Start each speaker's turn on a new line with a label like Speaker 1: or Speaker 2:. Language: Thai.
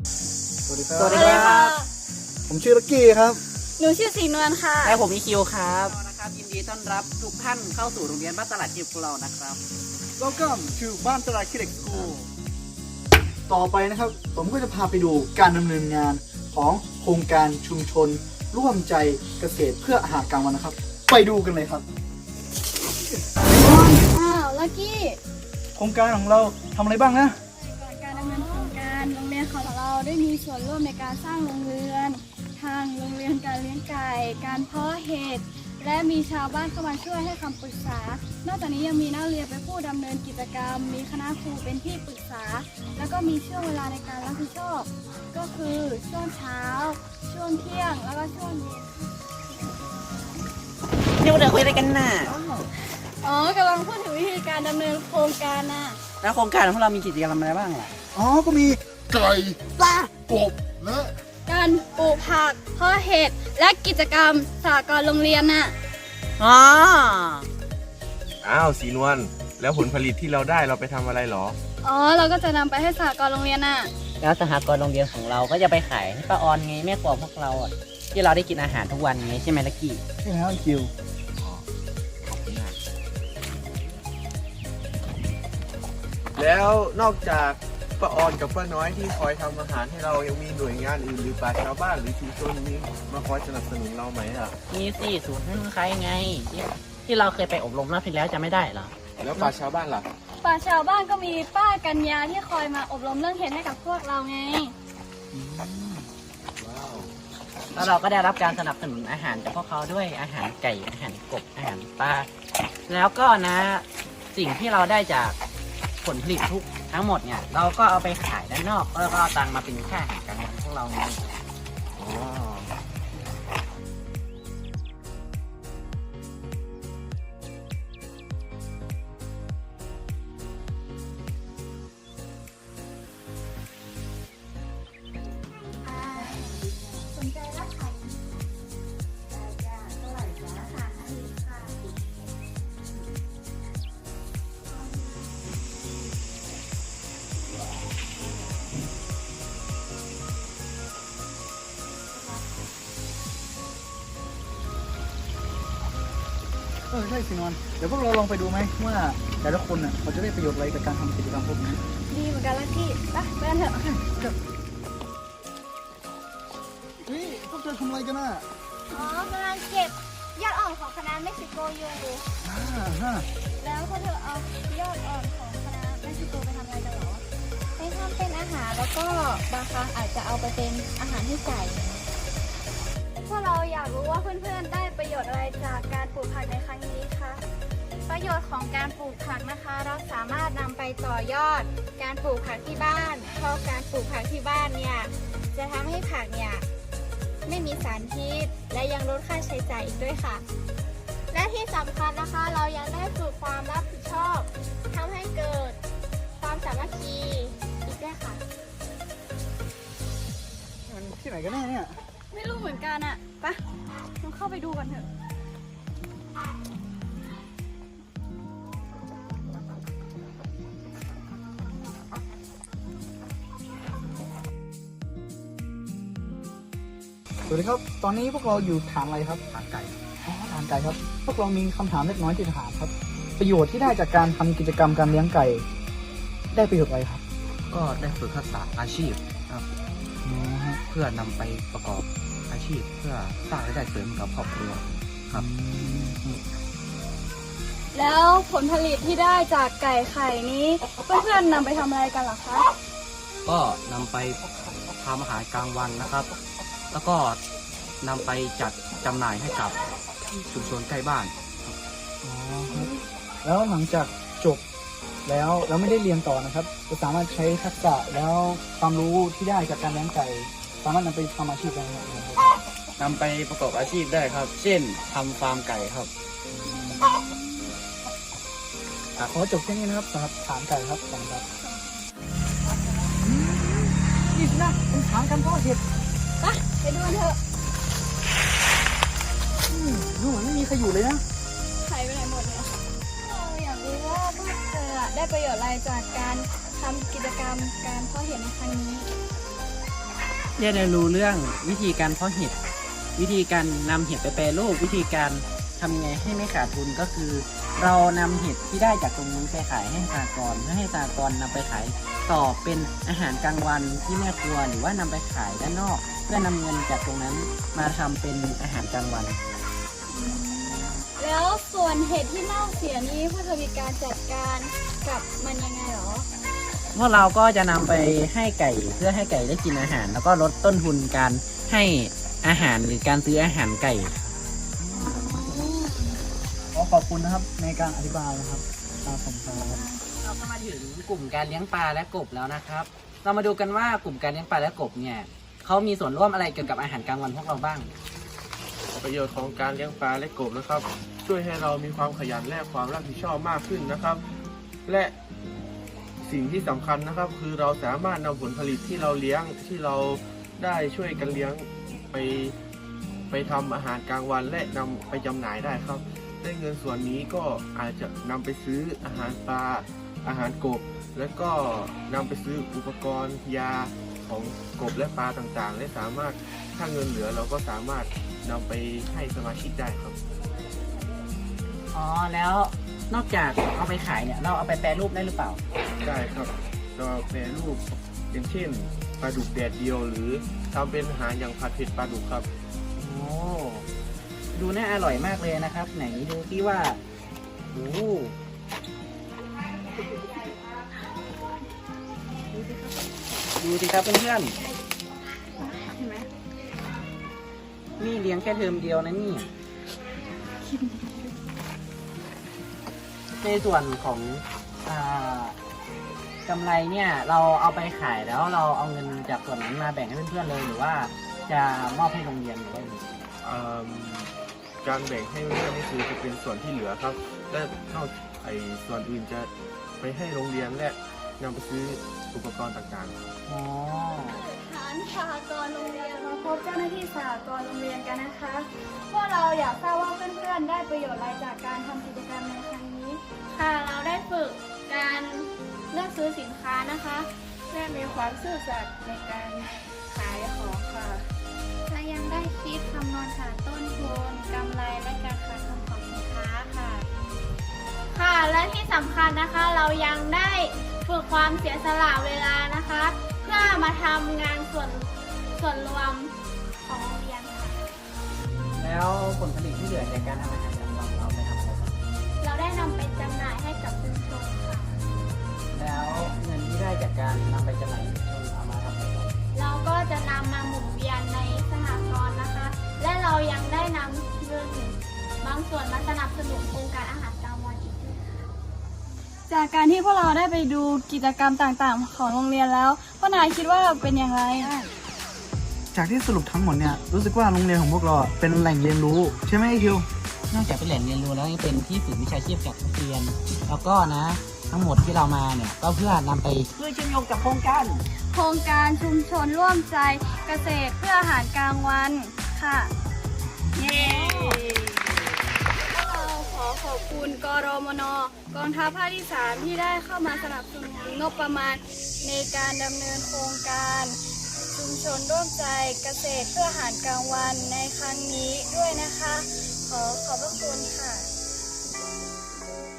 Speaker 1: สวัสดีครับ
Speaker 2: สวัสดีครับ
Speaker 1: ผมชื่อลักกี้ครับ
Speaker 3: หนูชื่อสีนวลค่ะ
Speaker 2: และผมอีคิวครับนะครับยินดีต้อนรับทุกท่านเข้าสู่โรงเรียนบ้านตลาดคิดของเรานะครับ
Speaker 1: Welcome to บ้านตลาดคิดสคูลต่อไปนะครับผมก็จะพาไปดูการดำเนินงานของโครงการชุมชน ร่วมใจเกษตรเพื่ออาหารกลางวันนะครับ ไปดูกันเลยครับ
Speaker 3: อ้าวลักกี้
Speaker 1: โครงการของเราทำอะไรบ้างนะ
Speaker 3: ก่อนการดำเนินโครงการโรงเรียนของเราได้มีส่วนร่วมในการสร้างโรงเรือน ทางโรงเรียนการเลี้ยงไก่ การเพาะเห็ด และมีชาวบ้านเข้ามาช่วยให้คำปรึกษา นอกจากนี้ยังมีนักเรียนเป็นผู้ดำเนินกิจกรรม มีคณะครูเป็นที่ปรึกษา แล้วก็มีช่วงเวลาในการรับผิดชอบ ก็คือช่วงเช้า ช่วงเที่ยง แล้วก็ช่วงเย็น
Speaker 2: นี่เราคุยอะไรกันน่ะ
Speaker 3: อ๋อกำลังพูดถึงวิธีการดำเนินโครงการน่ะ
Speaker 2: แล้วโครงการของเรามีกิจกรรมอะไรบ้างล่ะ
Speaker 1: อ๋อ ก็มีไก่ปลากบและ
Speaker 3: การปลูกผักเพาะเห็ด และกิจกรรมสหกรณ์โรงเรียนน่ะ
Speaker 2: อ๋อ
Speaker 4: อ้าวสีนวลแล้วผลผลิตที่เราได้เราไปทำอะไรหรอ
Speaker 3: อ๋อ เราก็จะนำไปให้สหกรณ์โรงเรียนน่ะ
Speaker 2: แล้วสหกรณ์โรงเรียนของเราก็จะไปขายให้ป้าออนไงแม่ครัวพวกเราอ่ะที่เราได้กินอาหารทุกวันไงใช่ไหมลักกี้
Speaker 1: ใช่แล้วคิว
Speaker 4: แล้วนอกจากป้าออนกับป้าน้อยที่คอยทำอาหารให้เรายังมีหน่วยงานอื่นหรือป่าชาวบ้านหรือชุมชนนี้มาคอยสนับสนุนเราไหมอ่ะ
Speaker 2: มีสี่ศูนย์ให้มึงใครไงที่เราเคยไปอบรมรอบที่แล้วจะไม่ได้เหรอ
Speaker 4: แล้วป่าชาวบ้านล่ะ
Speaker 3: ป่าชาวบ้านก็มีป้ากัญญาที่คอยมาอบรมเรื่องเห็ดให้กับพวกเราไง
Speaker 4: ว้าว
Speaker 2: แล้วเราก็ได้รับการสนับสนุนอาหารจากพวกเขาด้วยอาหารไก่อาหารกบอาหารปลาแล้วก็นะสิ่งที่เราได้จากผลผลิตทั้งหมดเนี่ยเราก็เอาไปขายด้านนอกแล้วก็เอาตังค์มาเป็นค่าอาหารกลางวันพวกเราไง
Speaker 4: อ๋อ
Speaker 3: สนใจรับขายเท่าไหร่จ้าค่ะค่ะ
Speaker 1: ใช่สินวลเดี๋ยวพวกเราลองไปดูไหมว่าแต่ละคนน่ะเขาจะได้ประโยชน์อะไรจากการทำกิจกรรมพวกนี้
Speaker 3: ดีเหมือนกันลักกี้ไปกันเถอะ
Speaker 1: เฮ้ยพวกเธอทำอะไรกันน่ะ
Speaker 3: อ๋อกำลังเก็บยอดอ่อนของคณะเม็กซิโกอยู่ แล้วพวกเธอเอายอดอ่อนของคณะเม็กซิโกไปทำอะไรกันเหรอไปทำเป็นอาหารแล้วก็บางครั้งอาจจะเอาไปเป็นอาหารให้ไก่พวกเราอยากรู้ว่าเพื่อนๆได้ประโยชน์อะไรจากการปลูกผักในครั้งนี้คะประโยชน์ของการปลูกผักนะคะ เราสามารถนำไปต่อยอดการปลูกผักที่บ้านเพราะการปลูกผักที่บ้านเนี่ยจะทำให้ผักเนี่ยไม่มีสารพิษและยังลดค่าใช้จ่ายอีกด้วยค่ะ และที่สำคัญนะคะเรายังได้ฝึกความรับผิดชอบทำให้เกิดความสามัคคีอีกด้วยค่ะ
Speaker 1: มันที่ไหนกันแน่เนี่ย
Speaker 3: ไม่รู้เหมือนกันอะไปลองเข้าไปดูกันเถอะ
Speaker 1: สวัสดีครับ ตอนนี้พวกเราอยู่ฐานอะไรครับ ฐานไก่ อ๋อ ฐานไก่ครับ พวกเรามีคำถามเล็กน้อยที่จะถามครับ ประโยชน์ที่ได้จากการทำกิจกรรมการเลี้ยงไก่ ได้ประโยชน์อะไรครับ
Speaker 5: ก็ได้ฝึกทักษะอาชีพครับ
Speaker 1: อ๋อฮะ
Speaker 5: เพื่อนำไปประกอบอาชีพเพื่อสร้างรายได้เสริมกับครอบครัวครับ
Speaker 3: แล้วผลผลิตที่ได้จากไก่ไข่นี้ เพื่อนๆนำไปทำอะไรกันเหรอคะ
Speaker 5: ก็นำไปทำอาหารกลางวันนะครับ แล้วก็นำไปจัดจำหน่ายให้กับชุมชนใกล้บ้าน
Speaker 1: อ๋อครับ แล้วหลังจากจบแล้วเราไม่ได้เรียนต่อนะครับจะสามารถใช้ทักษะแล้วความรู้ที่ได้จากการเลี้ยงไก่ สามารถนำไปทำอาชีพได้ไหมครับ
Speaker 5: นำไปประกอบอาชีพได้ครับ เช่นทำฟาร์มไก่ครับ
Speaker 1: ขอจบแค่นี้นะครับสำหรับฐานไก่ครับขอบคุณครับนี่นะเป็นฐานการเพาะเห็ด
Speaker 3: ไปดูกันเถอะ
Speaker 1: ดูเหมือนไม่มีใครอยู่เลยนะ
Speaker 3: ไข่ไปไหนหมดเนี่ยเราอยากรู้ว่าพวกเธอได้ประโยชน์อะไรจากการทำกิจกรรมการเพาะเห็ดในครั้งนี้
Speaker 1: ผ
Speaker 2: เรียนรู้เรื่องวิธีการเพาะเห็ด วิธีการนำเห็ดไปแปรรูป วิธีการทำยังไงให้ไม่ขาดทุนก็คือ เรานำเห็ดที่ได้จากตรงนี้ไปขายให้สหกรณ์เพื่อให้สหกรณ์นำไปขายต่อเป็นอาหารกลางวันที่แม่ครัวหรือว่านำไปขายด้านนอก เพื่อนำเงินจากตรงนั้นมาทำเป็นอาหารกลางวัน
Speaker 3: แล้วส่วนเห็ดที่เน่าเสียนี้พวกเธอมีการจัดการกับมันยังไงหรอ
Speaker 2: พวกเราก็จะนำไปให้ไก่เพื่อให้ไก่ได้กินอาหาร แล้วก็ลดต้นทุนการให้อาหารหรือการซื้ออาหารไก่
Speaker 1: ขอบคุณนะครับในการอธิบายนะครับครับผมครับ
Speaker 2: เราก็มาถึงกลุ่มการเลี้ยงปลาและกบแล้วนะครับ เรามาดูกันว่ากลุ่มการเลี้ยงปลาและกบเนี่ยเขามีส่วนร่วมอะไรเกี่ยวกับอาหารกลางวันพวกเราบ้าง
Speaker 4: ประโยชน์ของการเลี้ยงปลาและกบนะครับ ช่วยให้เรามีความขยันและความรับผิดชอบมากขึ้นนะครับ และสิ่งที่สำคัญนะครับคือเราสามารถนำผลผลิตที่เราเลี้ยงที่เราได้ช่วยกันเลี้ยงไปทำอาหารกลางวันและนำไปจำหน่ายได้ครับได้เงินส่วนนี้ก็อาจจะนำไปซื้ออาหารปลาอาหารกบ และก็นำไปซื้ออุปกรณ์ยาของกบและปลาต่างๆ และสามารถถ้าเงินเหลือเราก็สามารถนำไปให้สมาชิกได้ครับ
Speaker 2: อ๋อแล้วนอกจากเอาไปขายเนี่ยเราเอาไปแปรรูปได้หรือเปล่า
Speaker 4: ได้ครับเราแปรรูปอย่างเช่นปลาดุกแดดเดียวหรือทำเป็นอาหารอย่างผัดเผ็ดปลาดุกครับ
Speaker 2: โอ้ดูน่าอร่อยมากเลยนะครับ ไหนดูที่ว่าโอ้ดูสิครับเพื่อนๆ
Speaker 3: เห็นไหม
Speaker 2: นี่เลี้ยงแค่เทอมเดียวนะนี่ ในส่วนของกำไรเนี่ยเราเอาไปขายแล้วเราเอาเงินจากส่วนนั้นมาแบ่งให้เพื่อนๆเลยหรือว่าจะมอบให้โรงเรียนหรือว่ายังไง
Speaker 4: การแบ่งให้เพื่อนนี่คือจะเป็นส่วนที่เหลือครับ และนอกส่วนอื่นจะไปให้โรงเรียนและนำไปซื้ออุปกรณ์ต่างๆ
Speaker 2: อ๋อ
Speaker 3: ฐานสหกรณ์โรงเรียนมาพบเจ้าหน้าที่สหกรณ์โรงเรียนกันนะคะพวกเราอยากทราบว่าเพื่อนๆได้ประโยชน์อะไรจากการทำกิจกรรมในครั้งนี้ค่ะเราได้ฝึกการเลือกซื้อสินค้านะคะและมีความซื่อสัตย์ในการขายของค่ะและยังได้คิดคำนวณหาต้นทุนกำไรและการขาดทุนของสินค้าค่ะ ค่ะและที่สำคัญนะคะเรายังได้ฝึกความเสียสละเวลานะคะ เพื่อมาทำงานส่วนรวมของโรงเรียนค่ะ
Speaker 2: แล้วผลผลิตที่เหลือจากการทำอาหารกลางวันเราไปทำอะไรบ้าง
Speaker 3: เราได้นำไปจำหน่ายให้กับชุมชนค่ะ
Speaker 2: แล้วเงินที่ได้จากการนำไปจำหน่ายให้ชุมชนเอามาทำอะไรบ้าง
Speaker 3: เราก็จะนำมาหมุนเวียนในสหกรณ์นะคะ และเรายังได้นำเงินบางส่วนมาสนับสนุนโครงการอาหารกลางวันอีกด้วยค่ะ
Speaker 6: จากการที่พวกเราได้ไปดูกิจกรรมต่างๆ ของโรงเรียนแล้วพ่อนายคิดว่าเป็นอย่างไร
Speaker 1: จากที่สรุปทั้งหมดเนี่ยรู้สึกว่าโรงเรียนของพวกเราเป็นแหล่งเรียนรู้ใช่ไหมไอ้คิว
Speaker 2: นอกจากเป็นแหล่งเรียนรู้แล้วยังเป็นที่ฝึกวิชาชีพกับนักเรียน แล้วก็นะทั้งหมดที่เรามาเนี่ยก็เพื่อนำไปเพื่อเชื่อมโยงกับโครงการ
Speaker 6: โครงการชุมชนร่วมใจเกษตรเพื่ออาหารกลางวันค่ะ เย้พวกเราขอบคุณกรมน.กองทัพภาคที่ 3 ที่ได้เข้ามาสนับสนุนงบประมาณในการดำเนินโครงการชุมชนร่วมใจเกษตรเพื่ออาหารกลางวันในครั้งนี้ด้วยนะคะ ขอบพระคุณค่ะ